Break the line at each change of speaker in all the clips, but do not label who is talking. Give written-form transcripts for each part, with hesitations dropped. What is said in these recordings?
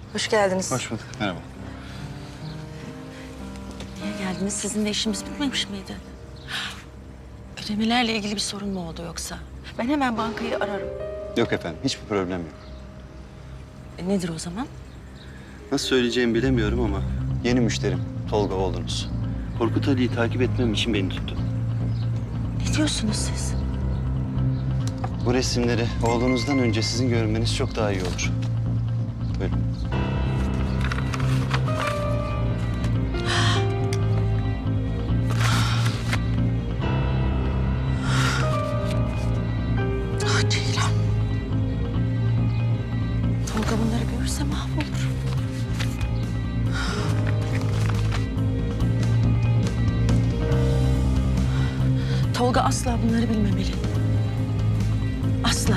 Hoş geldiniz.
Hoş bulduk. Merhaba.
Niye geldiniz? Sizinle işimiz bitmemiş miydi? Ödemelerle ilgili bir sorun mu oldu yoksa? Ben hemen bankayı ararım.
Yok efendim, hiçbir problem yok.
Nedir o zaman?
Nasıl söyleyeceğimi bilemiyorum ama yeni müşterim Tolga oğlunuz. Korkut Ali'yi takip etmem için beni tuttu.
Ne diyorsunuz siz?
Bu resimleri oğlunuzdan önce sizin görmeniz çok daha iyi olur. Buyurun.
Ah Ceylan. Tolga bunları görürse mahvolur. Tolga asla bunları bilmemeli. Asla.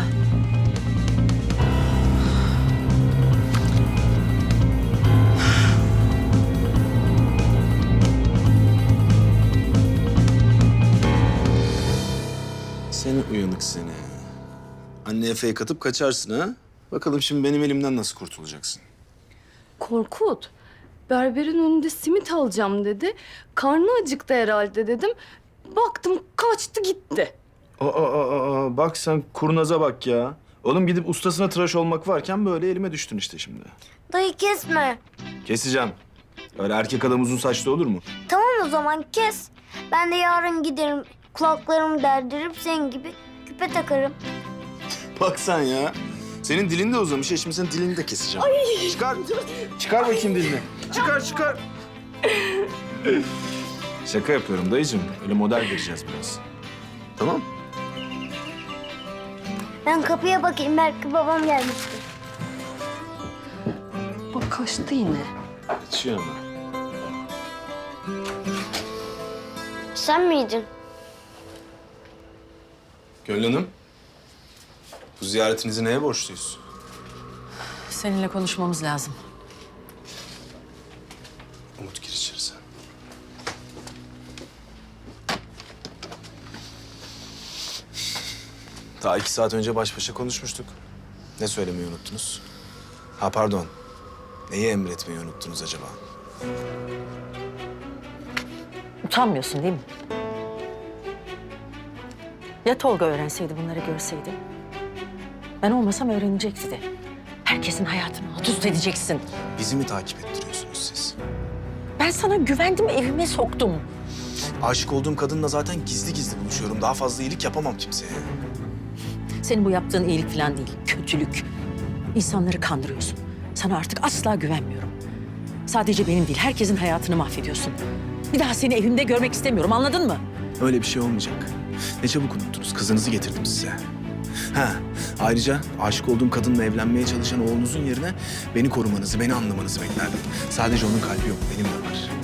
Seni uyanık seni. Anneye fake atıp kaçarsın ha? Bakalım şimdi benim elimden nasıl kurtulacaksın?
Korkut, berberin önünde simit alacağım dedi. Karnı acıktı herhalde dedim. Baktım kaçtı gitti.
Bak sen kurnaza bak ya. Oğlum gidip ustasına tıraş olmak varken böyle elime düştün işte şimdi.
Dayı kesme.
Keseceğim. Öyle erkek adam uzun saçlı olur mu?
Tamam o zaman kes. Ben de yarın giderim. Kulaklarımı derdirip senin gibi küpe takarım.
Bak sen ya. Senin dilin de uzamış. Şimdi senin dilini de keseceğim. Ay. Çıkar. Çıkar bakayım dilini. Çıkar. Şaka yapıyorum dayıcığım. Öyle model vereceğiz biraz. Tamam.
Ben kapıya bakayım, belki babam gelmiştir.
Bak kaçtı yine.
Kaçıyor ama.
Sen miydin?
Gönül Hanım. Bu ziyaretinizi neye borçluyuz?
Seninle konuşmamız lazım.
Umut gir içeri sen. Daha 2 saat önce baş başa konuşmuştuk. Ne söylemeyi unuttunuz? Ha pardon. Neyi emretmeyi unuttunuz acaba?
Utanmıyorsun değil mi? Ya Tolga öğrenseydi, bunları görseydi? Ben olmasam öğrenecekti de. Herkesin hayatını alt üst edeceksin.
Bizi mi takip ettiriyorsunuz siz?
Ben sana güvendim, evime soktum.
Aşık olduğum kadınla zaten gizli gizli buluşuyorum. Daha fazla iyilik yapamam kimseye.
Senin bu yaptığın iyilik falan değil, kötülük. İnsanları kandırıyorsun. Sana artık asla güvenmiyorum. Sadece benim değil, herkesin hayatını mahvediyorsun. Bir daha seni evimde görmek istemiyorum, anladın mı?
Öyle bir şey olmayacak. Ne çabuk unuttunuz. Kızınızı getirdim size. Ha, ayrıca aşık olduğum kadınla evlenmeye çalışan oğlunuzun yerine beni korumanızı, beni anlamanızı beklerdim. Sadece onun kalbi yok, benim de var.